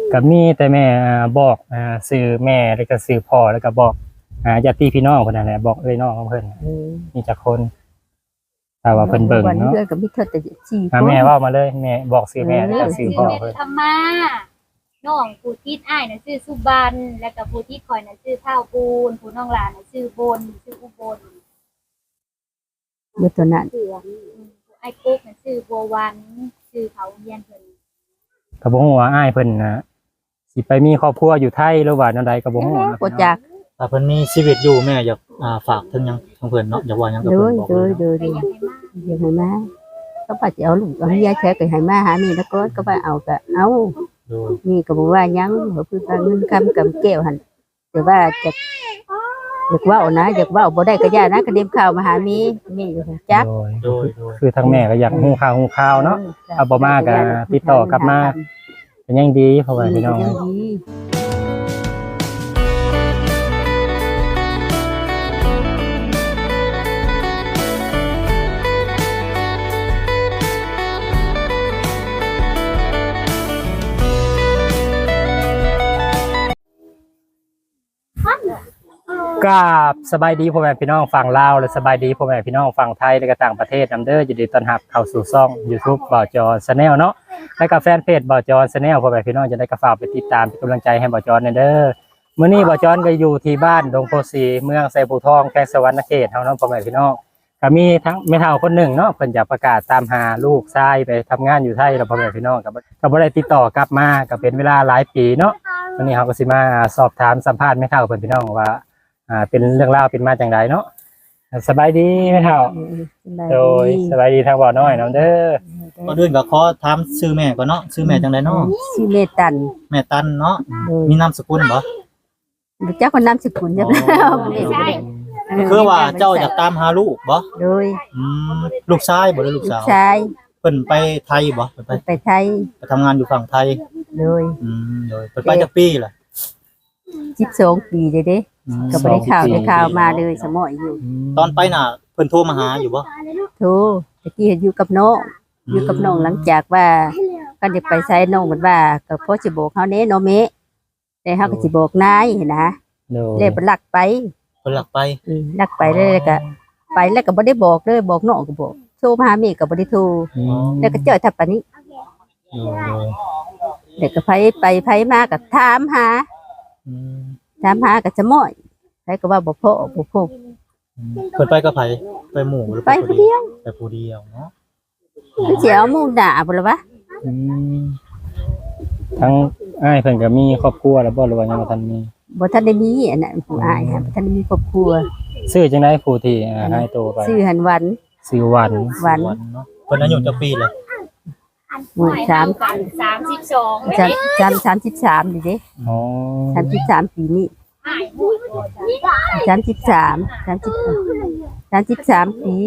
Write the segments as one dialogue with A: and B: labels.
A: ก็มีแต่แม่บอกชื่อแม่แล้วก็ชื่อพ่อแล้วก็บอกญาติพี่น้องเพิ่นนั่นแหละบอกน้องของเพิ่นมีจักคนถ้าว่าเพิ่นเบิ่งเนาะ
B: ก็มีเธอแต่4คน
A: แม่เว้ามาเลยแม่บอกชื่อแม่แล้วก็ชื่อพ่อเพิ่น
C: ธรรมาน้องผู้ทิศอ้ายน่ะชื่อสุบันแล้วก็ผู้ที่คอยน่ะชื่อเท่าปูนผู้น้องหลานน่ะชื่อบนชื่ออุบล
B: อยู่ตัวนั้น
C: ไอ้กุ๊กน่ะชื่อบัววันชื่อเขาเรียนเพิ่น
A: ก็บ่ฮู้ว่าอ้ายเพิ่นสิไปมีครอบครัวอยู่ไทยหรือว่าแนวใดก็บ่ฮู้นะ
B: บ่จัก
D: ถ้าเพิ่นมีชีวิตอยู่แม่อยากฝากถึงหยังของเพิ่นเนาะอยากว่าหยังกับเพิ่นบอกเลย
B: เด้อยังให้มาก็ว่าจะเอาลูกเอาเมียแท้ก็ให้มาหามีแล้วก็ว่าเอาก็เอานี่ก็บ่ว่าหยังเพิ่นว่าเงินคำกำแก้วหั่นแต่ว่าจะอยากเว้านะอยากเว้าบ่ได้ก็ย่านะก็เด็มข่าวมาหามีอยู่จัก
D: โดย
A: คือทางแม่ก็อยากฮู้ข่าวเนาะเอาบ่มาก็ติดต่อกลับมาเป็นยังดีเพราะว่าพี่น้องกับสบายดีพ่อแม่พี่น้องฝั่งลาวและสบายดีพ่อแม่พี่น้องฝั่งไทยและก็ต่างประเทศนำเด้อยินดีต้อนรับเข้าสู่ช่อง YouTube บ่าวจอ Channel เนาะและก็แฟนเพจบ่าวจอ Channel พ่อแม่พี่น้องจะได้กระฝากไปติดตามเป็นกำลังใจให้บ่าวจอเด้อมื้อนี้บ่าวจอก็อยู่ที่บ้านดงโพสีเมืองไซภูทองแขวงสวรรณเขตเฮาเนาะพ่อแม่พี่น้องก็มีทั้งแม่เฒ่าคนหนึ่งเนาะเพิ่นจะประกาศตามหาลูกชายไปทำงานอยู่ไทยแล้วพ่อแม่พี่น้องก็บ่ได้ติดต่อกลับมาก็เป็นเวลาหลายปีเนาะวันนี้เฮาก็สิมาสอบถามสัมภาษณ์แม่เฒ่าเพิ่นพี่น้องว่าเป็นเรื่องราวเป็นมาจังไดเนาะสบายดีแม่เฒ่าโดยสบายดีทางบ่อน้อยน้องเด้อ
D: ก่อนอื่นก็ขอถามชื่อแม่ก่อนเนาะชื่อแม่จังได๋เนาะ
B: ชื่อแม่ตัน
D: แม่ตันเนาะมีนามสกุลบ่
B: รู้จักคนนามสกุลจัง
D: คือว่าเจ้าอยากตามหาลูกบ่
B: โดย
D: ลูกชายบ่หรือลูกสาว
B: ชาย
D: เพิ่นไปไทยบ่
B: ไปไทย
D: ไปทำงานอยู่ฝั่งไทย
B: โดย
D: โดยเพิ่นไปจักปีล่ะ
B: 12 ปีเด้ก็บ่ได้ข่าวมาเลยสมอยอยู่
D: ตอนไปน่ะเพิ่นโทรมาหาอยู่บ่
B: โทรตะกี้เห็นอยู่กับน้องหลังจากว่าก็จะไปใช้น้องเหมือนว่าก็พอสิบอกเฮาแน่เนาะแม่แต่เฮาก็สิบอกนายนะเลยบ่ลักไป
D: เพิ่นลักไป
B: แล้วก็ไปแล้วก็บ่ได้บอกเลยบอกน้องก็บอกโทรมาหาแม่ก็บ่ได้โทรแล้วก็เจอทับปานนี้เด็กก็ไปมาก็ถามหาก็จะม้อยไผก็ว่าบ่พอเ
D: พิ่นไปกับไผไปหมู่หรือ
B: ไปผู้เดียว
D: เนาะ
B: สิเอาหมู่ด่าบ่ล่ะวะ
A: ทั้งอ้ายเพิ่นก็มีครอบครัวแล้วบ่หรือว่ายังบ่ทันมี
B: บ่ทันได้มีอันนั้นผู้อ้ายบ่ทันได้มีครอบครัว
A: ชื่อจังได๋ผู้ที่ให้โตไป
B: ชื่อหันวัน
A: ชื่อวัน
D: เนาะเพิ่นอายุจักปีเลย
B: หมู่33ดิเด้อ๋อ33ปีนี้33ปี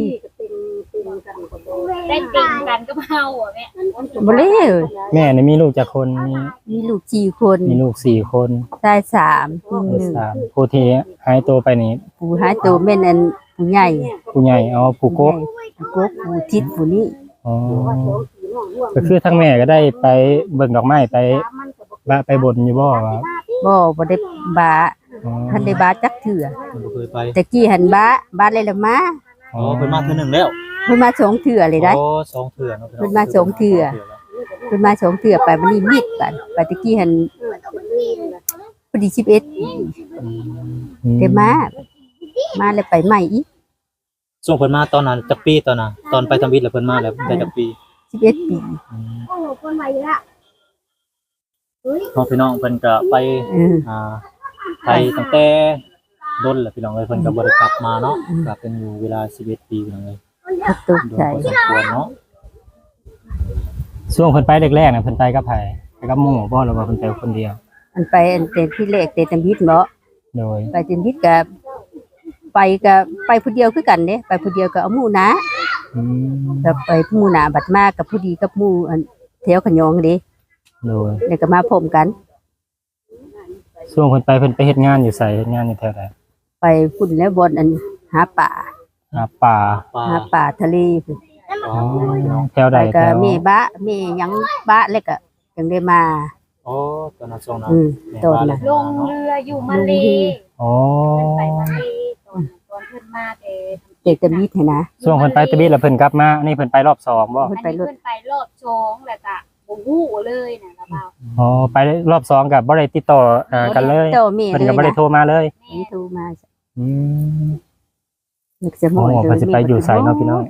C: ได้ติ่งกันก็เฮาอ่ะแม่
B: บ่เลย
A: แม่นี่มีลูกจักคน
B: มีลูก4คน
A: มีลูก4คน
B: ชาย3ผู้หนึ่ง
A: ผู้ที่หายตัวไปนี่
B: ผู้หายตัวแม่นอันผู้ใหญ่
A: อ๋อผู้กก
B: ผู้ทิศผู้นี้
A: อ๋อก็คือทั้งแม่ก็ได้ไปเบิ่งดอกไม้ไปบนอยู่บ่ว่า
B: บ่ได้บาท่านได้บาจักเถื่อ
D: บ่เคยไป
B: แต่กี้หันบาเลยละมา
D: อ๋อเพิ่นมาเทื่อนึงแล้ว
B: เพิ่นมา2เถื่อเลยได้
D: อ๋อ2เทื่อเนาะ
B: เพิ่นมา2เถื่อไปวันนี้มิดไปตะกี้หันพอดี11แต่มาแล้วไปใหม่อีก
D: ช่วงเพิ่นมาตอนนั้นจักปีตอนน่ะตอนไปทำวิทย์แล้วเพิ่นมาแล้วได้จักปี
B: 11 ปี
C: โอ้คนใหม่ละ
D: พี่น้องเพิ่นก็ไปไทยตั้งแต่ดนแหละพี่น้องเอ้ยเพิ่นก็บ่ได้กลับมาเนาะกลับเป็นอยู่เวลา11ปีพี่น้องเอ้ย
B: ตกใจ
D: เนาะ
A: ช่วงเพิ่นไปแรกๆน่ะเพิ่นไปกับไผไปกับหมู่บ่หรือว่าเพิ่นไปคนเดียว
B: ไปแต่ที่แรกแต่ตำบิดเนาะ
A: โดย
B: ไปตำบิดก็ไปผู้เดียวคือกันเด้ไปผู้เดียวก็เอาหมู่นะก็ไปหมู่นะบัดมากับผู้ดีกับหมู่แถวขยองเด้
A: โดย
B: แล้วก็มาพร้อมกัน
A: ช่วงเพิ่นไปเฮ็ดงานอยู่ไสเฮ็ดงานอยู่แถวใด
B: ไปพุ่นแล้วบนหาป่าทะเล
A: อ๋อแถวใด
B: ก็มีบะมีหยังบะแล้วก็จังได้มา
D: โอ้ตอนนั้นช่วงนั้น แม่
B: ตอน
D: ว่า
B: น่ะ
C: ลงเรืออยู่มาเล
A: อ๋อ
C: เพิ่นไปมาเลตอนเพิ่นมาแต่
B: เด็กตะมิดให้นะ
A: ช่วงเพิ่นไปตะบิดแล้วเพิ่นกลับมาอันนี้เพิ่นไปรอบสองบ่
C: อันนี้เพิ่นไปรอบ2แล้วก็บ่ฮู้เลยน่ะละบ่าว
A: อ๋อไปรอบสองกับบ่ได้ติดต่อกันเลย
B: โตแม่
A: เพิ่น
B: เลย
A: ก็บ่ได้
B: นะ
A: โทรมาเลย
C: แม่
B: นี่โทรมา
A: อืม
B: นึกจะหมด
A: โอ้เพิ่นสิไปอยู่ไสเนาะพี่น้อง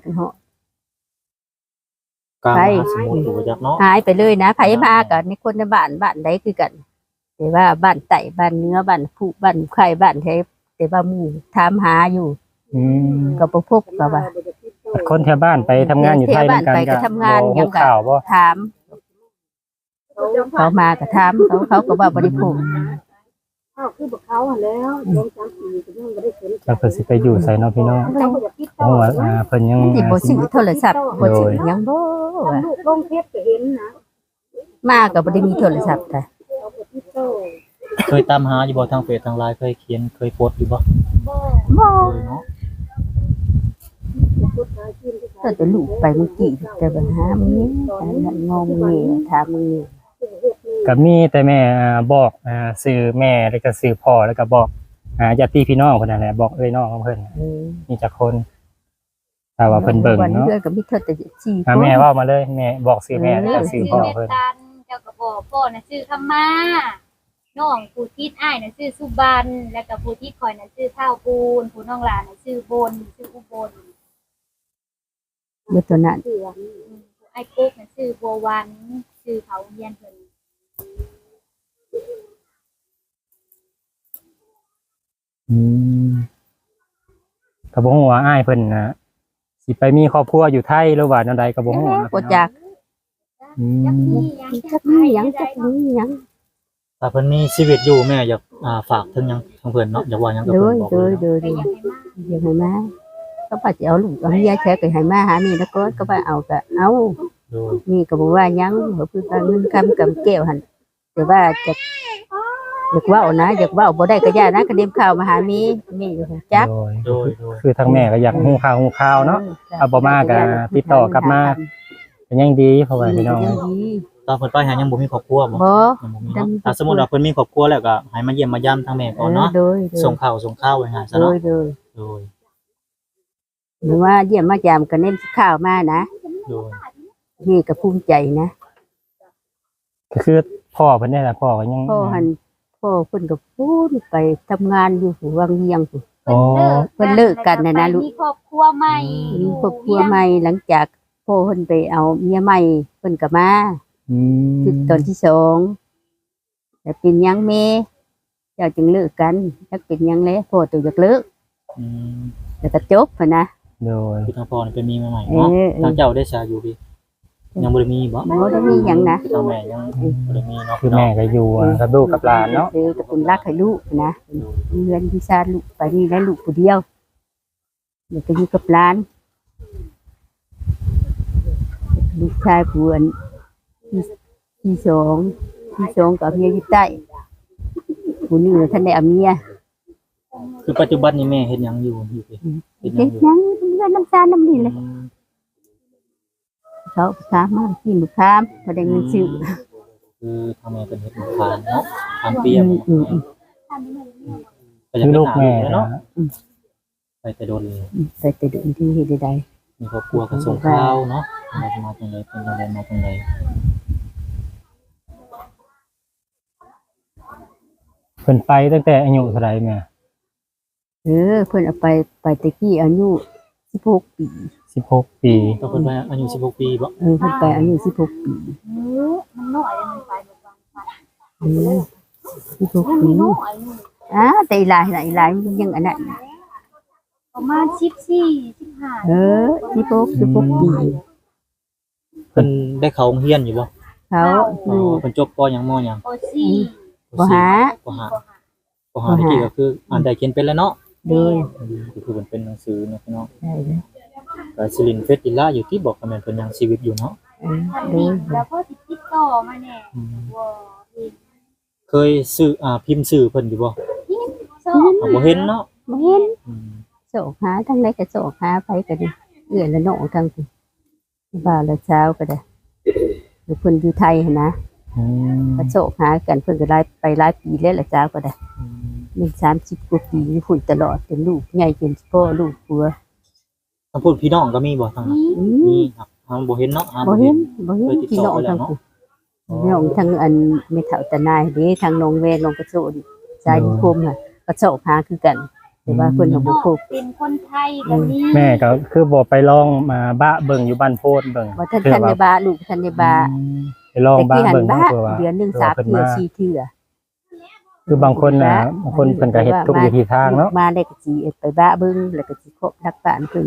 D: กลาง
B: ไป
D: มหาสมุทรอยู่จักเนาะ
B: หายไปเลยนะไผมากันในคนในบ้านใดคือกัน แต่ว่าบ้านไต่บ้านเนื้อบ้านผู้บ้านไข่บ้านไทยแต่ว่าหมู่ถามหาอยู่
A: อืม
B: ก็บ่พบก็ว่า
A: คนแถวบ้านไปทำงานอยู่ไทยเหมือนกัน
B: แถวบ้านไปก็ทำงาน
A: บ่
B: ยังก็
A: ข่าวบ่
B: ถาม เขามาก็ถามเขาก็ว่าบ่ได้พบ
E: เขาคือบอกเขาหันแล้วลง3 ปีก็ยังบ่ได้เห็น
A: แล้วเพิ่นสิไปอยู่ไสเนาะพี่น้อง
E: เขาก็อยากติด
A: เพราะว่าเพิ่นยัง
B: สิบ่ซื้อโทรศัพท์บ่ซื้อหยังบ่ว่า
E: ลูกลงเพชรก็เห็นนะ
B: มาก็บ่ได้มีโทรศัพท์ค่ะ
E: เขาก็ติดโต
D: เคยตามหาอยู่บ่ทางเฟซทางไลน์เคยเขียนเคยโพสต์อยู่บ่
C: บ่
B: บ่
D: เคยเนาะ
E: พุทธาชินที่
B: ก็แต่ลูกไปเมื่อกี้แต่ปัญหามันนี่งงนี่ถามมึงนี่
A: ก็มีแต่แม่บอกสื่อแม่แล้วก็สื่อพ่อแล้วก็บอกญาติพี่น้องเพิ่นนั่นแหละบอกเอ้ยน้องของเพิ่นมีจักคนถ้าว่าเพิ่นเบิ่งเนาะ
B: เพื่อนก็มีเท่าแต่สี่
A: แม่เว้ามาเลยแม่บอกสื่อแม่แล้วก็สื่อพ่อ
C: เม
A: เพิ่น
C: ตันเจ้าก็บอกพ่อน่ะชื่อคำมาน้องผู้ทิศอ้ายน่ะชื่อสุบันแล้วก็ผู้ที่คอยน่ะชื่อเท่าปูนผู้น้องหลานน่ะชื่อบนชื่ออุบล
B: เมื่อตัวนั้น
C: ไอ้ปุ๊กน่ะชื่อบัววันชื่อเขาเฮียนเพิ่น
A: อืมก็บ่ฮู้ว่าอ้ายเพิ่นน่ะสิไปมีครอบครัวอยู่ไทยหรือว่าแนวใดก็บ่ฮู้นะ
B: บ่จัก
A: อืม
B: จักมีหยังจักมีหยัง
D: ถ้าเพิ่นมีชีวิตอยู่แม่อยากฝากถึงหยังทางเพิ่นเนาะอยากว่าหยังกับ
B: โด
D: เพิ่น
B: ย
D: บอก
B: โด
D: เลย ย
B: โดย
C: ไปยังไงมา
B: ยังไงมาก็ป้าจะเอาลูกเอาเมียแท้ก็ให้มาหามีแล้วก็ว่าเอาก็เอา
D: โดย
B: นี่ก็บอกว่าหยังบ่คือว่าเงินคำกำแก้วหั่นแต่ว่าจะอยากเว้านะอยากเว้าบ่ได้ก็ย่านะก็เด็มข่าวมาหามีอยู่จัก
A: โดย
D: โดย
A: คือทางแม่ก็อยากฮู้ข่าวเนาะ เอาบ่มาก็ติดต่อกลับมา เป็นยังดีเพราะว่าพี่น้อง
B: ยังดี
D: ตอนเพิ่นไปหายังบ่มีครอบครัวบ่
B: บ่
D: ยังบ่มีเนาะถ้าสมมุติว่าเพิ่นมีครอบครัวแล้วก็ให้มาเยี่ยมมายามทางแม่ก่อนเนาะ
B: โดย
D: ส่งข้าวไว้ให้ซะ
B: โด
D: เนาะ
B: ยโดย
D: โดย
B: หรือว่าเยี่ยมมายามก็เน้นข้าวมานะ
D: โดย
B: นี่ก็ภูมิใจนะ
A: ก็คือพ่อเพิ่นนี่แหละพ่อก็ยัง
B: พ่อเพิ่นก็พูดไปทำงานอยู่หัววังเวียงพุ่น
A: อ๋อ
B: เพิ่นเลิกกันน่ะนะลูก
C: มีครอบครัวใหม่
B: มีครอบครัวใหม่หลังจากพ่อเพิ่นไปเอาเมียใหม่เพิ่นก็มา
A: อืม
B: คือตอนที่สองแต่เป็นหยังแม่เจ้าจึงเลิกกันจักเป็นหยังแล้วพ่อตัวอยากเลิก
D: อืม
B: แล้วก็จบพุ่นนะ
A: โดย
D: คือทางพ่อนี่เป็นมีมาใหม่เนาะ
B: เออ
D: ทางเจ้าได้ชาอยู่พี่ยังบ่ได้มีบ่
B: บ่ได้มีหยังนะ
D: ทางแม่ยังบ่ได้มีเนาะ
A: คือแม่ก็อยู่กับลูกกับหลานเนาะ
B: คือกับคุณรักให้ลูกนะเงินที่ชาติลูกไปนี่ได้ลูกผู้เดียวเดี๋ยวก็อยู่กับหลานลูกชายผู้อันที่สองกับเมียอยู่ใต้ผู้นี้ท่านได้เอาเมีย
D: คือปัจจุบันนี้แม่เฮ็ดหยังอยู่พี่เฮ็ดหยั
B: เฮ็
D: ง
B: ด
D: อยู่
B: หยังเงินน้ำตาลน้ำนี่เลย
D: อืม
B: เขาถามมากินลูกค้ามบ่ได้เงินซื้อ
D: คือทางแม่เป็นเฮ็ดทานเนาะทานเปียม ก็ยัง
A: คือ
D: เป็น
A: ลูก
D: หน้า
A: แม่
D: อยู่
A: เนาะ
D: เนาะไปแต่โดนเลย
B: ไปแต่เดินที่เฮ็ดได้
D: มีครอบครัวก็ส่งข้าวเนาะมาจังไดเป็นจังไดมาจังได
A: เพิ่นไปตั้งแต่อายุเท่าไหร่แม่
B: เพิ่นเอาไปตะกี้อายุ16 ปี
A: 16 ปี
D: ก็เพิ่นว่าอายุ16ปีบ่
B: เพิ่นไปอายุ16 ปี
C: มันน้อยมันไปหมดวันไป
B: 16 ปี
C: น้อยนึง
B: แต่อีหลายมันยังอันนั้น
C: ประมาณ14 15
B: 16ปี
D: เพิ่นได้เข้าโรงเรียนอยู่บ่
B: เขาอยู่
D: เพิ่นจบปหยังมหยัง
C: ป .4
B: บ่หา
D: ปหาปหาที่ก็คืออ่านได้เขียนเป็นแล้วเนาะ
B: โดย
D: ก็คือมันเป็นหนังสือเนาะพี่น้อง
B: ได้เลย
D: ก็สิรินเฟสติล่าอยู่ที่บอกว่ามันเป็นยังชีวิตอยู่เนาะ
B: โดย
C: แล้วพ่อสิติดต่อมาแน่ว่าเอง
D: เคยซื้อพิมพ์สื่อเพิ่นอยู่บ่
C: ชอบ
D: บ่เห็นเนาะ
B: บ่เห็น
D: อืม
B: โศกหาทั้งใดก็โศกหาไปก็ได้เอื้อละน้องทั้งบ่าวละเช้าก็ได้อยู่เพิ่นอยู่ไทยหั่นนะ
A: อืม
B: ก็โศกหากันเพิ่นก็หลายปีแล้วล่ะจ้าก็ได้มัน30กว่าปีพุ่นตลอดเป็นลูกใหญ่จนพ่อลูกผัว
D: ทั้งพูดพี่น้องก็มีบ่ทางนั้น
C: นี่
B: อื
D: มี
B: ม
D: ครับทางบ่เห็นเนาะ
B: บ่เห็นพี่น้อง
D: เคยติดต่อไปแล้
B: ทั้
D: ว
B: ง
D: เนาะ
B: คู่พี่น้องทั้งอันแม่เฒ่าตะนายเด้ทางน้องแวน้องกระโจนชายคมค่ะก็โศกหาคือกัน แต่ว่าเพิ่นก็
C: น้
B: บ่
C: อง
B: ครบ
C: เป็นคนไทยก็มี
A: แม่ก็คือบ่ไปลองมาบ้าเบิ่งอยู่บ้านโพดเบิ่ง
B: บ่ทันทันได้บาลูกทันได้บา
A: ไปลอง
B: แต่
A: บ้า
B: ที่หัน
A: เบิ่ง
B: บ้า
A: เพื่อว่า
B: เดือนหนึง
A: ผื่
B: 3
A: พิ่น
B: เทื่อ
A: มา
B: 4เทื่อ
A: คือบางคนน่ะบางคนเพิ่นก็เฮ็ดทุกวิธีทางเนาะ
B: มาได้ก็สิไปบ้าเบิ่งแล้วก็สิคบรักบ้านเพิ่น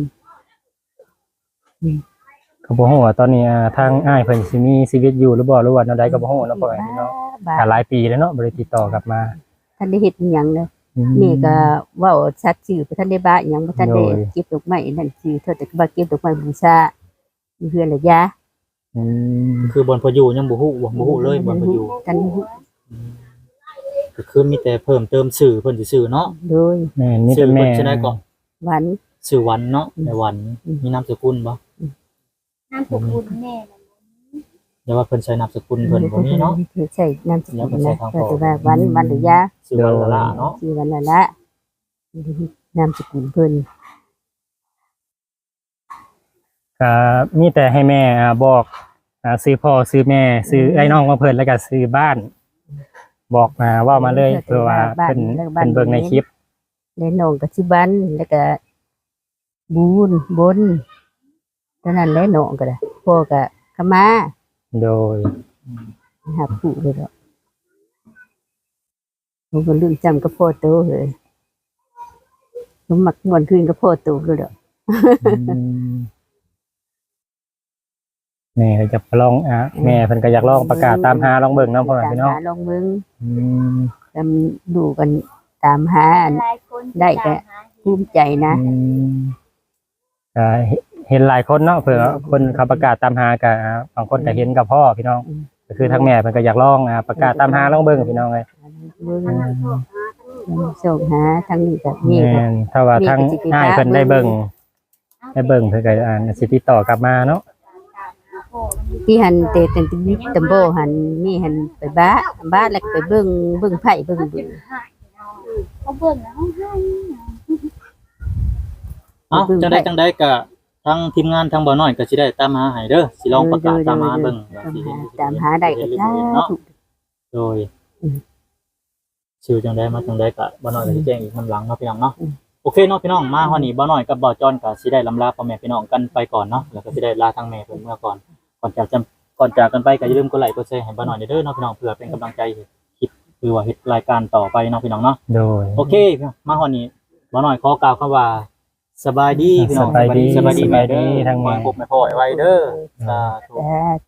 A: ก็บ่ฮู้ว่าตอนนี้ทางอ้ายเพิ่นสิมีชีวิตอยู่หรือบ่หรือว่าแนวใดก็บ่ฮู้เนาะพ่อแม่พี่น้อง
B: บ้า
A: หลายปีแล้วเนาะบ่ได้ติดต่อกลับมา
B: ท่านได้เฮ็ดอิหยังเลยแม่ก็เว้าชัดชื่อบ่ทันได้บ้าอิหยังบ่ทันได้เก็บดอกไม้นั่นคือเธอแต่ว่าเก็บดอกไม้บูชาอยู่เฮือนละยา
A: อืม
D: คือบนพออยู่ยังบ่ฮู้เลยบนพออยู่
B: ท่าน
D: ก็คือมีแต่เพิ่มเติมสื่อเพิ่นสิสื่อเนาะ
B: โดย
A: แม่นี่
D: สื่
A: เป็
D: อน
A: แม่
D: เพิ่นสิได้ก็
B: วัน
D: สื่อวันเนาะในวันมีนามสกุลบ่
C: นามสกุลแม่น่ะ
D: อย่าว่าเพิ่นใช้นามสกุลเพิ่นบ่มีเนาะ
B: ใช่นามส
D: แล้ว
B: กุ
D: ก็
B: ล
D: ใช้
B: นะ
D: ทาง
B: แต่
D: พ่อ
B: ว่าวันหรือยา
D: สื่อวันละละเนาะ
B: ชื่อวันละละนามสกุลเพิ่น
A: ก็มีแต่ให้แม่บอกซื้อพ่อซื้อแม่ซื้อไอ้น้องมาเพิ่นแล้วก็ซื้อบ้าน บอกมาว่ามาเลยเพื่อว่าเพิ่นเบิ่งในคลิป
B: และน้องก็ชื่อบันแล้วก็บูนบนเท่านั้นแหละน้องก็ได้พ่อก็ขมา
A: โดย
B: หาผู้เลยดอกผมก็ลืมจำกับพ่อโตเลยผมมักม่วนคืนกับพ่อโตเลยดอก
A: แม่ก็จะลองแม่เพิ่นก็อยากลองประกาศตามหาลองเบิ่งเนาะพ่อแม่
B: ตาม
A: พี่น้อง
B: หาลองมึง
A: อืม
B: ตามดูกันตามหาอัน
C: หลายคน
B: ได้ก็
C: ตามหา
B: ภูมิใจนะ
A: เห็นหลายคนเนาะเผื่อคนเขาประกาศตามหากับบางคนก็เห็นกับพ่อพี่น้อง ก็คือทั้งแม่เพิ่นก็อยากลองประกาศตามหาลองเบิ่งพี่น้องเลย
B: มึงส่งหาทางนี้กับนี่
A: แม่นถ้าว่าทั้งง่ายเพิ่นได้เบิ่งเพิ่นก็สิติดต่อกลับมาเนาะ
C: ตามหาพ่อมันอยู่
B: ที่หันเตตันติตัมโบหันนี่หันไปบ้าแล้วก็ไปเบิ่งไผ่เบิ่ง
C: เขา
B: ดู
C: เจ็บหายเขาเบิ่งแล้วเขาให้
D: เอ้าจังได้ก็ทั้งทีมงานทั้งบ่น้อยก็สิได้ตามหาให้เด้อสิลองประกาศตามหาเบิ่ง
B: ตามหาได้ก็ได้
D: เนาะโดยชื่อจังได้มาจังได้ก็บ่น้อยก็สิแจ้งอีกนำหลังเนาะพี่น้องเนาะโอเคเนาะพี่น้องมาฮอดนี้บ่น้อยกับบ่จอนก็สิได้ลำลาพ่อแม่พี่น้องกันไปก่อนเนาะแล้วก็สิได้ลาทางแม่เพิ่นเมื่อก่อนก่อนจากกันไปก็อย่าลืมกดไลค์กดแชร์ให้บ่น้อยเด้อเนาะพี่น้องเพื่อเป็นกำลังใจให้คลิปคือว่าเฮ็ดรายการต่อไปเนาะพี่น้องเนาะ
A: โดย
D: โอเคมาฮอดนี้บ่น้อยขอกล่าวคำว่าสบายดีพี่น้อง
A: สบายดี
D: สบายดีแม่เด้อ
A: ทั้งแม่
D: ขอให้พบแม่พ่อไว้เด้อสาธุ
B: แต่